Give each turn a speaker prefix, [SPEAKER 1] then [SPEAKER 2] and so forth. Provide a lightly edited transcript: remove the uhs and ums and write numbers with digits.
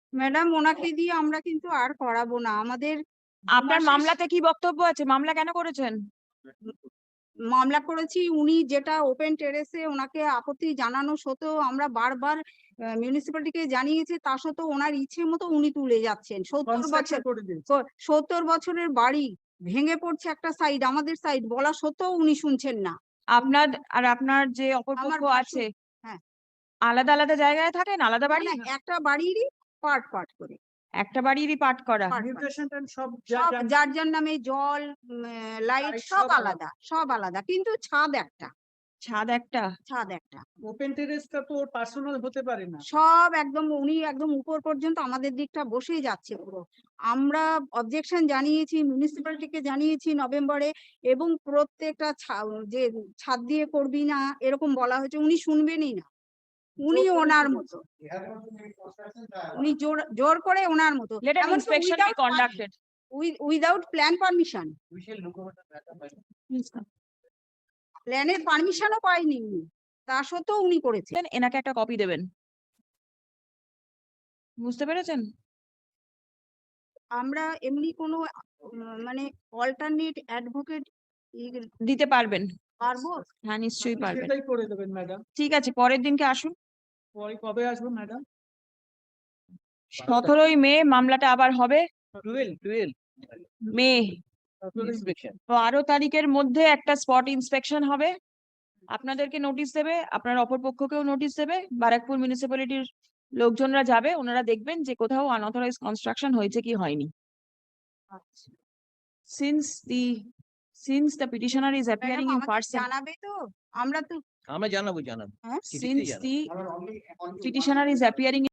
[SPEAKER 1] Madam ওনাকে দিয়ে আমরা কিন্তু আর করাবো না। আমাদের
[SPEAKER 2] আপনার মামলাতে কি বক্তব্য আছে? মামলা কেন করেছেন?
[SPEAKER 1] মামলা করেছি, উনি যেটা ওপেন টেরেসে ওনাকে আপত্তি জানানো সত্ত্বেও আমরা বারবার মিউনিসিপ্যালিটিকে জানিয়েছি, তা সত্ত্বেও ওনার ইচ্ছে মতো উনি তুলে যাচ্ছেন। 70 বছরের বাড়ি ভেঙে পড়ছে একটা সাইড, আমাদের সাইড, বলা সত্ত্বেও উনি শুনছেন না।
[SPEAKER 2] আপনার যে অপরপক্ষ আছে
[SPEAKER 1] হ্যাঁ,
[SPEAKER 2] আলাদা আলাদা জায়গায় থাকেন, আলাদা বাড়ি?
[SPEAKER 1] একটা বাড়িরই পার্ট করে,
[SPEAKER 2] একটা বাড়িরই পাঠ করা।
[SPEAKER 1] সব যার যার নামে জল, লাইট সব আলাদা, সব আলাদা, কিন্তু ছাদ একটা।
[SPEAKER 3] ওপেন টেরেসটা তো ওর পার্সোনাল হতে পারে না।
[SPEAKER 1] সব একদম উনি একদম উপর পর্যন্ত আমাদের দিকটা বসেই যাচ্ছে পুরো। আমরা অবজেকশন জানিয়েছি, মিউনিসিপ্যালিটিকে জানিয়েছি নভেম্বরে, এবং প্রত্যেকটা যে ছাদ দিয়ে করবি না এরকম বলা হয়েছে, উনি শুনবেনই না। উনি ওনার মতো, উনি জোর করে ওনার মতো, উইদাউট প্ল্যান পারমিশন, প্ল্যানের পারমিশনও পাইনি উনি, তা সত্ত্বেও উনি করেছেন।
[SPEAKER 2] এনাকে একটা কপি দেবেন, বুঝতে পেরেছেন?
[SPEAKER 1] আমরা এমনি কোনো মানে অল্টারনেট অ্যাডভোকেট
[SPEAKER 2] দিতে পারবেন?
[SPEAKER 1] পারবো,
[SPEAKER 2] হ্যাঁ নিশ্চয়ই পারবেন।
[SPEAKER 3] সেটাই করে দেবেন ম্যাডাম।
[SPEAKER 2] ঠিক আছে, পরের দিনকে আসুন।
[SPEAKER 3] পরে কবে আসবো ম্যাডাম?
[SPEAKER 2] 17ই মে মামলাটা আবার হবে।
[SPEAKER 3] 12
[SPEAKER 2] মে
[SPEAKER 3] ইন্সপেকশন।
[SPEAKER 2] 12 তারিখের মধ্যে একটা স্পট ইন্সপেকশন হবে। আপনাদেরকে নোটিশ দেবে, আপনার অপরপক্ষকেও নোটিশ দেবে। ব্যারাকপুর মিউনিসিপ্যালিটির লোকজনরা যাবে, ওনারা দেখবেন যে কোথাও আনঅথরাইজ কনস্ট্রাকশন হয়েছে কি হয়নি। Since the petitioner is appearing in person,
[SPEAKER 1] জানাবে তো, আমরা
[SPEAKER 4] জানাবো
[SPEAKER 1] হ্যাঁ,
[SPEAKER 2] since the petitioner is appearing